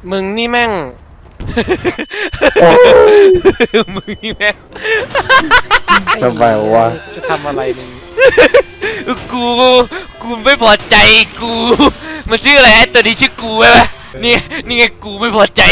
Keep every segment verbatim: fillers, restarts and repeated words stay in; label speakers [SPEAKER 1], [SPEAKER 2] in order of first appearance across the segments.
[SPEAKER 1] มึงนี่แม่ง
[SPEAKER 2] มึงนี่แม่ง
[SPEAKER 3] ทำไมวะ
[SPEAKER 1] จะทำอะไรมึง
[SPEAKER 2] กูกูไม่พอใจกูมันชื่ออะไรตัวนี้ชื่อกูใช่ไหมนี่นี่ไงกูไม่พอใจ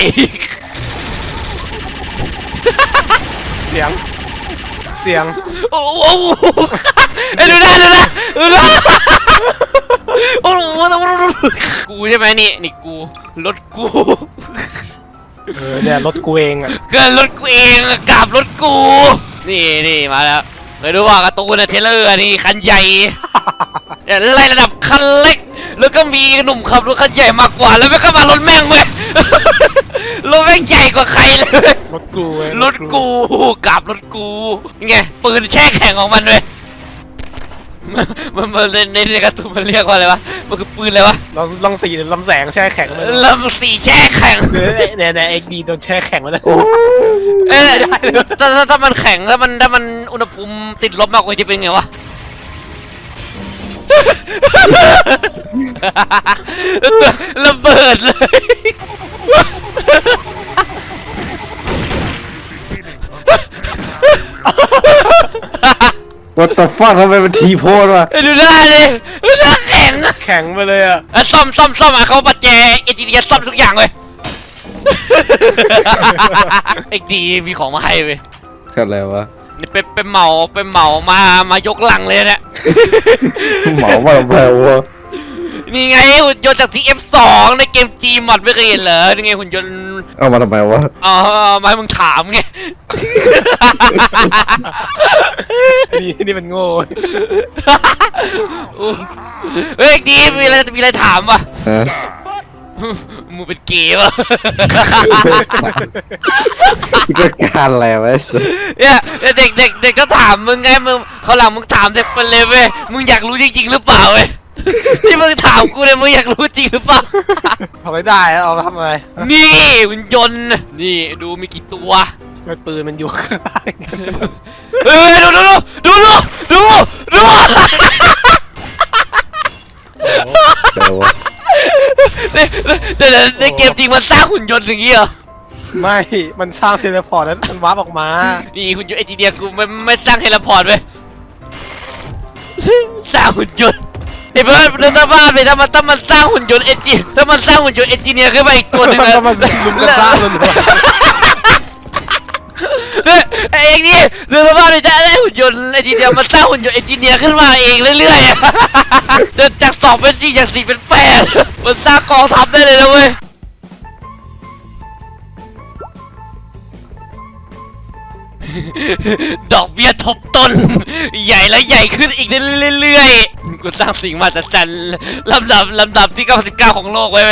[SPEAKER 1] เสียงเสียง
[SPEAKER 2] โอ้โหดูนะดูนะดูนะโอ้โหกูใช่ไหมนี่นี่กูรถกู
[SPEAKER 1] เออเนี่ยรถกูเองอ่ะ
[SPEAKER 2] เกินรถกูเองกับรถกูนี่นี่มาแล้วเคยดูว่าการ์ตูนเทเลอร์นี่คันใหญ่ไล่ระดับคันเล็กแล้วก็มีหนุ่มขับรถคันใหญ่มากกว่าแล้วไม่ก็มารถแม่งเลยรถแม่งใหญ่กว่าใครเลย
[SPEAKER 1] รถกู
[SPEAKER 2] รถกูกับรถกูไงปืนแช่แข็งของมันเลยมันมันในในการ์ตูนมันเรียกว่าอะไรวะมันคือปืนอะไรวะ
[SPEAKER 1] ลำลำสีลำแสงแช่แข็งเลย
[SPEAKER 2] ลำสีแช่แข็ง
[SPEAKER 1] เนี่ยเนี่ยเอ็กดีโดนแช่แข็งมาแล้ว
[SPEAKER 2] เอ๊ะถ้าถ้ามันแข็งถ้ามันถ้ามันอุณหภูมิติดลบมากกว่าจะเป็นไงวะระเบิดเลย
[SPEAKER 3] What the fuck ทำไมมันทีโพสวะ
[SPEAKER 2] ดูหน้าเลยดูหน้าแข็ง
[SPEAKER 1] แข็งไปเลยอ่ะ
[SPEAKER 2] ซ่อมซ่อมซ่อมอ่ะเขาปัจแจเอจีดีซ่อมทุกอย่างเลยเอ็กดีมีของมาให้เว้ย
[SPEAKER 3] อะไรวะ
[SPEAKER 2] นี่เป็นเป็นเหมาเป็นเหมามามายกหลังเลยเนี่ย
[SPEAKER 3] เหมาว่าแพงวะ
[SPEAKER 2] นี่ไงหุ่นยนต์จาก ที เอฟ สอง ในเกม G มอดไม่เคยเห็นเหรอนี่ไงหุ่นยนต์
[SPEAKER 3] เอามาทำไมวะ
[SPEAKER 2] อ๋อมาให้มึงถามไง
[SPEAKER 1] นี่นี่มันโง่
[SPEAKER 2] เฮ้ยดีมีอะไรมีอะไรถามวะมึงเป็นเกย์ป่ะ
[SPEAKER 3] ก็การอะไรวะ
[SPEAKER 2] เนี่ยเด็กเด็กเด็กก็ถามมึงไงมึงเขาหลังมึงถามเด็กไปเลยเว้ยมึงอยากรู้จริงๆหรือเปล่าเว้ยที่มึงถามกูเนี่ยมึงอยากรู้จริงหรือเปล่า
[SPEAKER 1] ทำไม่ได้เอาทำไง
[SPEAKER 2] นี่หุ่นยนต์นี่ดูมีกี่ตัว
[SPEAKER 1] มันปืนมันอยู่ข้างล่าง
[SPEAKER 2] เฮ้ยดูดูดูดูดูดูเดี๋ยวในเกมจริงมันสร้างหุ่นยนต์อย่างงี้เหรอ
[SPEAKER 1] ไม่มันสร้างเทเลพอร์ตแล้วมันวาร์ปออกมา
[SPEAKER 2] นี่หุ่นยนต์ไอจีเดียกูไม่ไม่สร้างเทเลพอร์ตเว้ยสร้างหุ่นยนต์ไอ้เพื่อนถ้าบ้าไปถ้ามันถ้ามันสร้างหุ่นยนต์เอจีถ้ามันสร้างหุ่นยนต์เอจีเนียขึ้นมาอีกตัวนึง
[SPEAKER 1] แล้วมันลุมกันสร้างมัน
[SPEAKER 2] ไอ้เองนี่เรือบ้าไปจะได้หุ่นยนต์เอจีเนียมันสร้างหุ่นยนต์เอจีเนียขึ้นมาเองเรื่อยๆเดินจากสองเป็นสี่จากสี่เป็นแปดมันสร้างกองทัพได้เลยนะเว้ยดอกเบี้ยทบต้นใหญ่แล้วใหญ่ขึ้นอีกเรื่อยๆกูสร้างสิ่งมหัศจรรย์ลำดับลำดับที่เก้าสิบเก้าของโลกไว้ไหม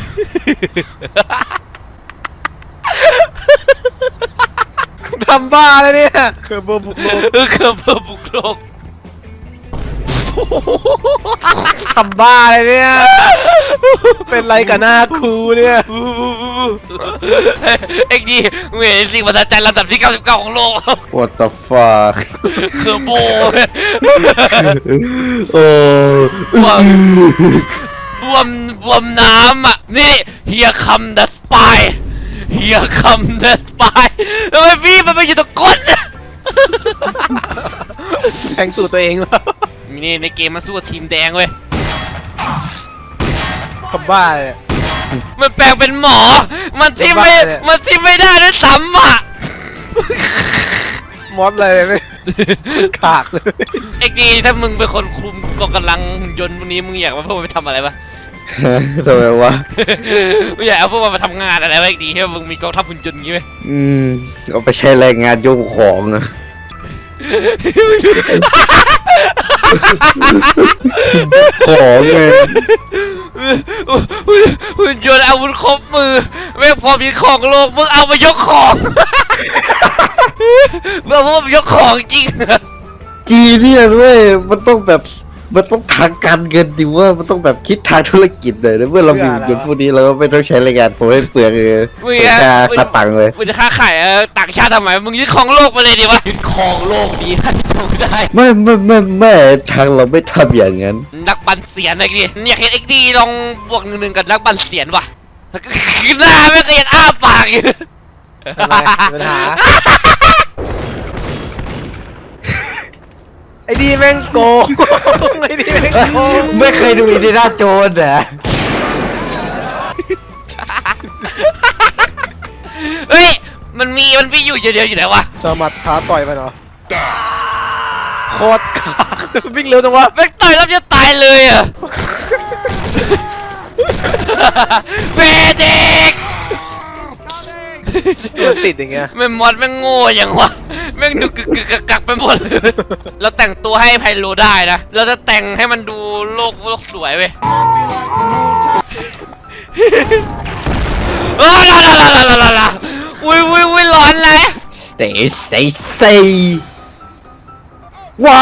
[SPEAKER 1] ทำบ้าเลยเนี่ยเคอร์เบอร์บุกโลก
[SPEAKER 2] เออเคอร์เบอร์บุกโลก
[SPEAKER 1] ทำบ้าเลยเนี่ยเป็นไรกับหน้าครูเนี่ย
[SPEAKER 2] เอ็กดีมึงเห็นสิ่งมหัศจรรย์ลำดับที่เก้าสิบเก้าของโลก
[SPEAKER 3] What the fuck
[SPEAKER 2] เคอร์โบ
[SPEAKER 3] โอ้
[SPEAKER 2] บวมบวมบวมน้ำอ่ะนี่ Here come the spy Here come the spy ทำไมพี่มันไปอยู่ตรงก้น
[SPEAKER 1] แทงสู่ตัวเองแล้ว
[SPEAKER 2] นี่ในเกมมันสู้กับทีมแดงเว้ย
[SPEAKER 1] ทำบ้าเลย
[SPEAKER 2] มันแปลงเป็นหมอมันที่ไม่มันที่ไม่ได้ด้วยซ้ำอ่ะ
[SPEAKER 1] มอสเลยไม่ขากเลย
[SPEAKER 2] เอ็กดีถ้ามึงเป็นคนคุมกองกำลังหุ่นยนต์พวกนี้มึงอยากมาพวกมันไปทำอะไรปะ
[SPEAKER 3] ทำไมวะ
[SPEAKER 2] มึงอยากเอาพวกมันมาทำงานอะไรวะเอ็กดีใช่ไหมมึงมีกองทัพหุ่นยนต์งี้ไหม
[SPEAKER 3] อืมเอาไปใช้แรงงานโยกของอะของไง
[SPEAKER 2] หุ่นยนต์อาวุธครบมือแม่งพอมีของโลกมึงเอามายกของมึงเอามายกของจริง
[SPEAKER 3] จีเนี่ยด้วยมันต้องแบบมันต้องทางการเงินดิว่ามันต้องแบบคิดทางธุรกิจเลยนะเมื่อเรามีเงินพวกนี้เราก็ไม่ต้องใช้แรงงานผมให้เปลืองเลยค่าค่าตังค์เลย
[SPEAKER 2] มึงจะค่าขายต่างชาติทำไมมึงยึดของโลกไปเลยดิวะยึดของโลกดีท่านจงได้
[SPEAKER 3] ไม่ไม่ไม่ไม่ทางเราไม่ทำอย่างนั้น
[SPEAKER 2] นักบันเสียนไอ้ดิอยากเห็นเอ็กดีลองบวกหนึ่งหนึ่งกับนักบันเสียนวะหน้าแม่งก็ยังอ้าปากอยู่
[SPEAKER 1] อะไรปัญหาไอ้ดีแม่งโกงไอ้ดีแม่งโกง
[SPEAKER 3] ไม่เคยดูอินเดียนาโจนส์เหรอ
[SPEAKER 2] เฮ้ยมันมีมันมีอยู่เดียวอยู่ไหนวะ
[SPEAKER 1] จะมัดขาต่อยไปเนาะโคตรขาวิ่งเร็วจังวะ
[SPEAKER 2] แม่งต่อยแล้วจะตายเลยอ่ะเบเด็ก
[SPEAKER 1] มันติดอย่างเงี้ย
[SPEAKER 2] แม่งมอดแม่งโง่อย่างวะแม่งดูกึกกึกกักกักไปหมดเลยเราแต่งตัวให้ไพโลได้นะเราจะแต่งให้มันดูโลกโลกสวยเว้ยโอ้ลาลาลาลาลาลาอุ้ยอุ้ยอุ้ยร้อนเลย
[SPEAKER 3] stay stay stay ว้าว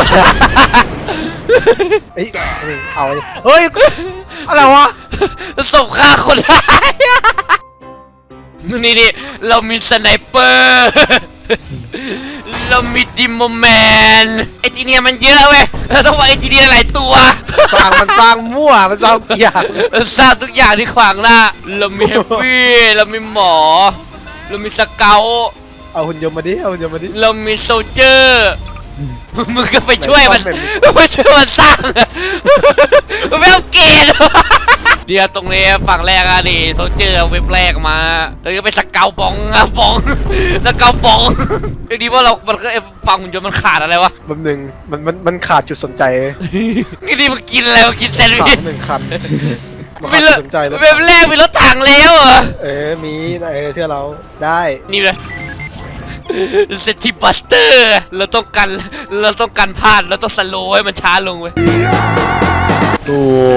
[SPEAKER 1] เฮ้ยเอาไอ้เฮ้ยอะไรวะ
[SPEAKER 2] ศพฆ่าคนร้ายนี่นี่เรามีสไนเปอร์เรามีดิโมแมนไอจีเนียมันเยอะเว้ยเราต้องว่าไอจีเนียหลายตัว
[SPEAKER 1] สร้างมันสร้างมั่วมันสร้างอย่าง
[SPEAKER 2] สร้างทุกอย่างที่ขวางหน้าเรามีเฮฟวี่เรามีหมอ เรามีสเกล
[SPEAKER 1] เอาหุ่นยนต์มาดิเอาหุ่นยนต์มาดิ
[SPEAKER 2] เรามีโซลเจอร์มึงก็ไปช่วยมันไปช่วยมันสร้างมันไม่เอาเกณฑ์เดี๋ยวตรงนี้ฝั่งแรกอะดิโซลเจอร์เอาเว็บแรกมาแล้วก็ไปสเกลบองอะบองสเกลบองไอ้ดีว่าเรามันก็ฝั่งหุ่นยนต์มันขาดอะไรวะ
[SPEAKER 1] แป๊บหนึงมันมันมันขาดจุดสนใจ
[SPEAKER 2] นี่ดีมันกินอะไรมันกินแซนด์
[SPEAKER 1] ขา
[SPEAKER 2] วิ
[SPEAKER 1] ด
[SPEAKER 2] ช
[SPEAKER 1] หนึ่งคันมัน
[SPEAKER 2] ไม่
[SPEAKER 1] ขาด
[SPEAKER 2] เล
[SPEAKER 1] จุ
[SPEAKER 2] ย
[SPEAKER 1] ดสนใจแล้ว
[SPEAKER 2] เว็บแรกมีรถถังแล้วเหรอ
[SPEAKER 1] เออมีนะเออเชื่อเราได้
[SPEAKER 2] นี่เลยเซติบัสเตอร์เราต้องกันเราต้องกันพลาดเราต้องสโลว์ให้มันช้าลงเว้ย
[SPEAKER 3] โอ้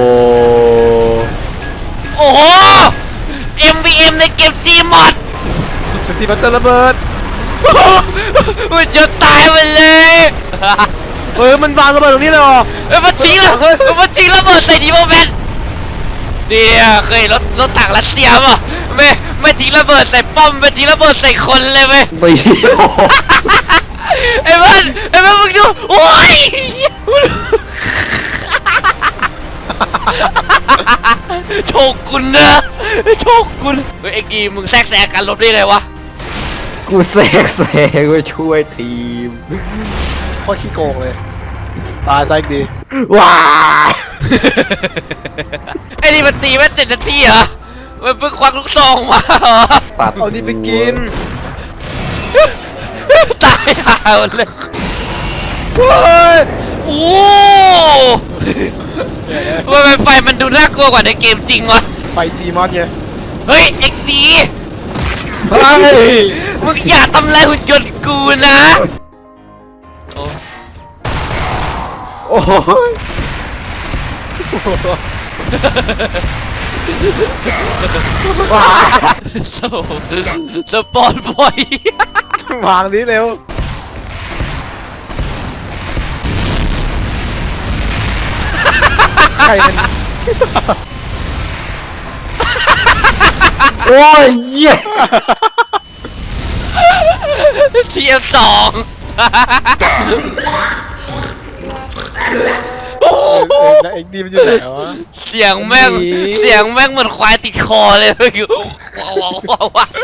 [SPEAKER 2] โอ้โห เอ็ม วี เอ็ม ในเกม Gmod
[SPEAKER 1] สตีบัตเตอร์ระเบิด
[SPEAKER 2] มันจะตายไปเลย
[SPEAKER 1] เฮ้ยมันวางระเบิดตรงนี้เลยเหรอ
[SPEAKER 2] เอ้ยมันทิ้งแล้วมันทิ้งระเบิดใส่ดีโมเมนต์เดี๋ยวเคยรถรถถังรัสเซียป่ะไม่ไม่ทิ้งระเบิดใส่ป้อมไม่ทิ้งระเบิดใส่คนเลยไหม
[SPEAKER 3] ไม่
[SPEAKER 2] ไอ้มันไอ้มันมึงดูโอ้ยโชกุนนะโชกุนเฮ้ยไอ้กีมึงแทรกแซงการรบได้ไงวะ
[SPEAKER 3] กูแซกแซงไปช่วยทีม
[SPEAKER 1] โคตรขี้โกงเลยตายซะอีกดี
[SPEAKER 3] ว้า
[SPEAKER 2] ไอ้นี่มันตีไม่เสร็จนาทีเหรอมันเพิ่งควักลูกซองมาเหรอ
[SPEAKER 3] ตัด
[SPEAKER 1] เอานี่ไปกิน
[SPEAKER 2] ตายหาหมดเลย
[SPEAKER 1] เฮ้ย
[SPEAKER 2] โอ้ทำไมไฟมันดูน่ากลัวกว่าในเกมจริงวะ
[SPEAKER 1] ไปจีมอสไง
[SPEAKER 2] เฮ้ยเอ็กดี
[SPEAKER 1] เฮ้ย
[SPEAKER 2] มึงอย่าทำลายหุ่นยนต์กูนะโอ้
[SPEAKER 3] โอ้โห
[SPEAKER 2] โซสปอนบอยว
[SPEAKER 1] างนี้เร็วใครเป็น
[SPEAKER 3] โอ้ยเหี้ย
[SPEAKER 2] เทียมสอง
[SPEAKER 1] เอ็กซ์เอ็กซ์ดีมันอยู่ไหนวะ
[SPEAKER 2] เสียงแม่ง
[SPEAKER 1] หนี
[SPEAKER 2] เสียงแม่งเหมือนควายติดคอเลยว้าวว้าวว้าวว้าว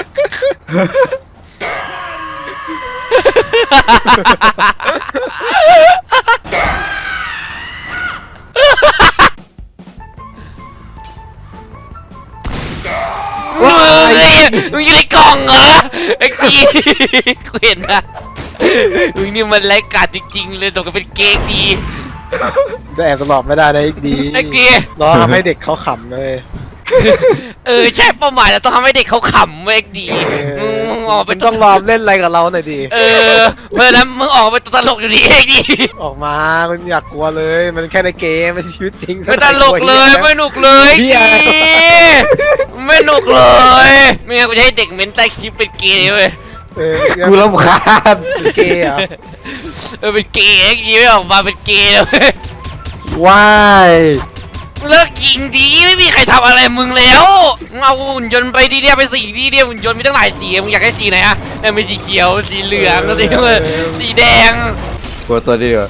[SPEAKER 2] ว้าวมึงอยู่ในกล่องเหรอไอ้กีกูเห็นนะมึงนี่มันไร้กาจจริงๆเลยตกกันเป็นเก๊กดี
[SPEAKER 1] จะแอบตลอดไม่ได้นะเอ็กซ์ดี
[SPEAKER 2] ไอ้กี
[SPEAKER 1] เราทำให้เด็กเขาขำเลย
[SPEAKER 2] เออใช่เป้าหมายเราต้องทำให้เด็กเขาขำเว้ยดีมึงมึงออกไป
[SPEAKER 1] มันต้องรอเล่นอะไรกับเราหน่อยดิ
[SPEAKER 2] เออเพราะฉะนั้นมึงออกไปตลกอยู่ดีเองดิ
[SPEAKER 1] ออกมามันอยากกลัวเลย มันแค่ในเกมไม่ใช่ชีวิตจริง
[SPEAKER 2] ไม่ตลกเลยไม่หนุกเลย
[SPEAKER 1] เหี้ย
[SPEAKER 2] ไม่หนุกเลยไม่งั้นกูจะให้เด็กเม้นใต้คลิปเป็นเกย์เว้ย
[SPEAKER 1] เออ
[SPEAKER 3] กูรำคาญ
[SPEAKER 1] เป็นเกย์เหรอ
[SPEAKER 2] เออเป็นเกย์ไอ้กี้ไม่ออกมาเป็นเกย์เลยเว้ย
[SPEAKER 3] ว้าย
[SPEAKER 2] เลิกยิงดีไม่มีใครทำอะไรมึงแล้วมึงเอาหุ่นยนต์ไปดีเดียวไปสีดีเดียวหุ่นยนต์มีตั้งหลายสีมึงอยากให้สีไหนอะเออมีสีเขียวสีเหลืองสีสีแดง
[SPEAKER 3] กลัวตัวนี้ดีกว่า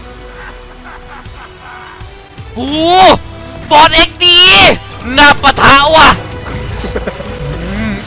[SPEAKER 2] โอ้บอสเอ็กดีน่าปะทะว่ะ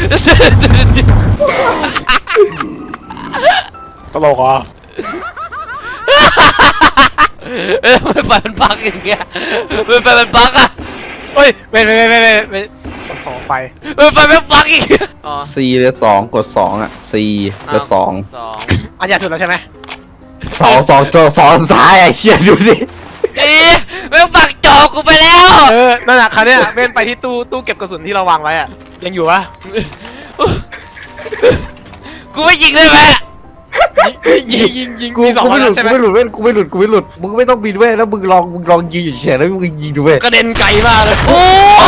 [SPEAKER 1] ตลกอ่ะ
[SPEAKER 2] เอ้ยไม่ไฟมันบักอย่างเงี้ยไม่ไฟมันบักอะ
[SPEAKER 1] เฮ้ยเว้ยเว้ยเว้ยเว้ยเว้ยขอไฟ
[SPEAKER 2] ไม่ไฟมันบักอีกอ๋อ
[SPEAKER 3] ซีเหลือสองกดสองอ่ะซีเหลือสอง
[SPEAKER 2] สอง
[SPEAKER 1] อันใหญ่สุดแล้วใช่ไหม
[SPEAKER 3] สองสองตัวสองสุดท้ายไอ้เชี่ยดูดิ
[SPEAKER 2] เอ๊ะแม่งปักจอกูไปแล้ว
[SPEAKER 1] เออนั่นแหละคราวเนี้ยเว้นไปที่ตู้ตู้เก็บกระสุนที่เราวางไว้อะยังอยู่ปะ
[SPEAKER 2] กูไม่ยิงได้ไหม
[SPEAKER 1] ยิงยิงยิง
[SPEAKER 3] กู
[SPEAKER 1] มีสอง
[SPEAKER 3] กู
[SPEAKER 1] ค
[SPEAKER 3] ไม่
[SPEAKER 1] น
[SPEAKER 3] หลุ
[SPEAKER 1] แล้ว
[SPEAKER 3] ด
[SPEAKER 1] ใช่
[SPEAKER 3] กู
[SPEAKER 1] ไหม
[SPEAKER 3] ไม่หลุดเว้ยกูไม่หลุดกูไม่หลุดมึงไม่ต้องบินเว้ยแล้วมึงลองมึงลองยืนอยู่เฉยแล้วมึงยิงดูเว้ย
[SPEAKER 1] กระเด็นไกลมากเลย
[SPEAKER 2] โอ้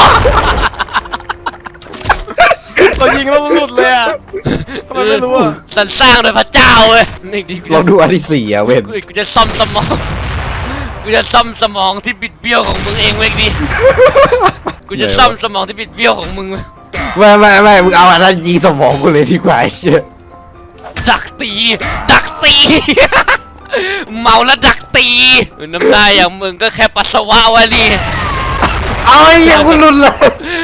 [SPEAKER 1] เรายิงแล้วมันหลุดเลยอะทำไมไม่รู้อะ
[SPEAKER 2] สรรสร้างโดยพระเจ้าเว้ยนี่ดิกู
[SPEAKER 3] ลอ
[SPEAKER 2] จะ
[SPEAKER 3] งดูอันที่สี่อ่ะเว้ย
[SPEAKER 2] กูกูจะซ่อมสมองกูจะซ่อมสมองที่บิดเบี้ยวของมึงเองเว้ยดิกูจะซ่อมสมองที่บิดเบี้ยวของมึงเว้ย
[SPEAKER 3] ไม่ไม่ไม่มึงเอาอันนั้นยิงสมองกูเลยดีกว่าไอ้เชี่ย
[SPEAKER 2] ดักตี ดักตี เมาแล้วดักตีน้ำลายอย่างมึงก็แค่ปัสสาวะวะนี่
[SPEAKER 3] เอาไอ้เหี้ยังกูหลุดเลย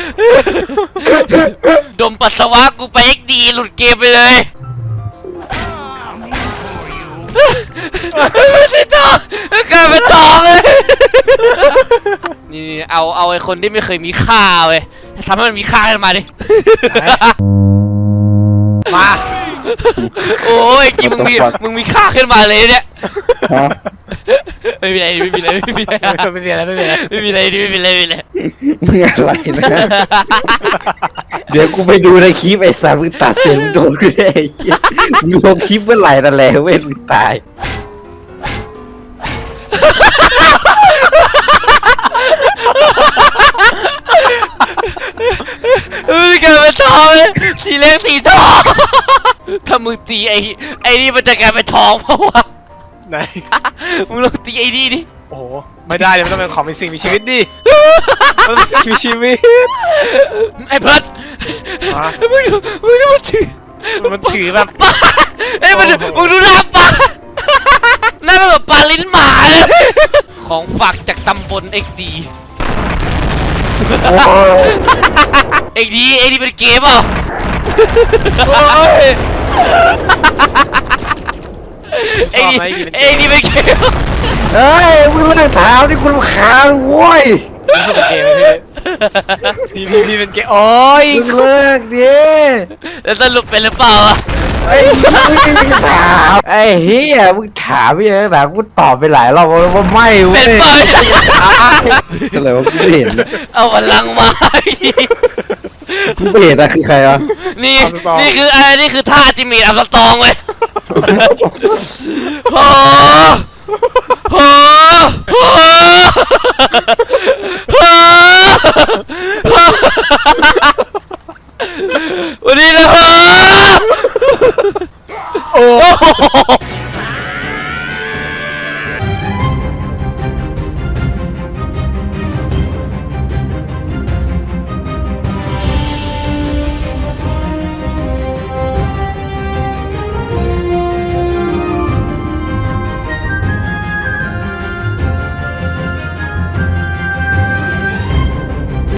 [SPEAKER 2] ดมปัสสาวะกูไปเอ็กดีหลุดเกมไปเลยไม่ใช่ทองกลายเป็นทองเลยนี่เอาเอาไอ้คนที่ไม่เคยมีค่าเว้ยทำให้มันมีค่าขึ้นมาดิ
[SPEAKER 1] มา
[SPEAKER 2] โอ้ยจริงมึงมีมึงมีค่าขึ้นมาเลยเนี่ย
[SPEAKER 3] ฮะ
[SPEAKER 2] ไม่มีอะไรไม่มีอะไรไม่มีอะไร
[SPEAKER 1] ไม่มีอะไรไม่มีอะไร
[SPEAKER 2] ไม่มีอะไรไม่มีอะไรไม่มีอะไร
[SPEAKER 3] มึงอะไรนะ เดี๋ยวกูไปดูในคลิปไอ้สารมึงตัดเสียงมึงโดนกูได้ไอ้เหี้ยมึงลงคลิปเมื่อไหร่นั่นแหละเว้ยมึงตาย
[SPEAKER 2] เฮ้ยกลายเป็นทองเลยสีเล็กสีทอง ถ้ามึงตีไอ้ไอ้นี่มันจะกลายเป็นทองเพราะว่า
[SPEAKER 1] ไหน
[SPEAKER 2] มึงลองตีไอ้นี่ดิ
[SPEAKER 1] โอ้โหไม่ได้เลยมันต้องเป็นของมีสิ่งมีชีวิตดิมันเป็นสิ่งมีชีวิต
[SPEAKER 2] ไอ้เพิร์ด
[SPEAKER 1] อ่ะ
[SPEAKER 2] มึงดูมึงดูมันถือ
[SPEAKER 1] มันถือแบบ
[SPEAKER 2] ปลาเอ้ยมันมึงดูหน้าปลาหน้ามันแบบปลาลิ้นหมาเลยของฝากจากตำบลเอ็กดี
[SPEAKER 3] โอ้ย
[SPEAKER 2] เอ็กดีเอ็กดีเป็นเกมเปล่า
[SPEAKER 1] โอ้ย
[SPEAKER 2] ไอ้นี่
[SPEAKER 1] ชอบไหมอีกเป็นเกม
[SPEAKER 2] ไอ้นี่เป็นเกม
[SPEAKER 3] เฮ้ยมึงเลิกถามที่คุณรำคาญโว้ย
[SPEAKER 1] นี่คือเป็นเกมไหมพี่พี่พี่เป็นเกมโอ้ย
[SPEAKER 3] มึงเลิกดิ
[SPEAKER 2] แล้วสรุปเป็นหรือเปล่าอะ
[SPEAKER 3] ไอ้เหี้ยถามไอ้เฮียมึงถามพี่ยังถามกูตอบไปหลายรอบแล้วว่าไม่เว้
[SPEAKER 2] เป็
[SPEAKER 3] ย
[SPEAKER 2] นเปล่า
[SPEAKER 3] อะไรวะกูไม่เห็น
[SPEAKER 2] เอาพลังมา
[SPEAKER 3] กูไม่เห็นอะคือใครวะ
[SPEAKER 2] นี่นี่คืออะไรนี่คือท่าจิมมี่อัพสตองเลยโอ้โหโอ้โหวันนี้นะโอ้โห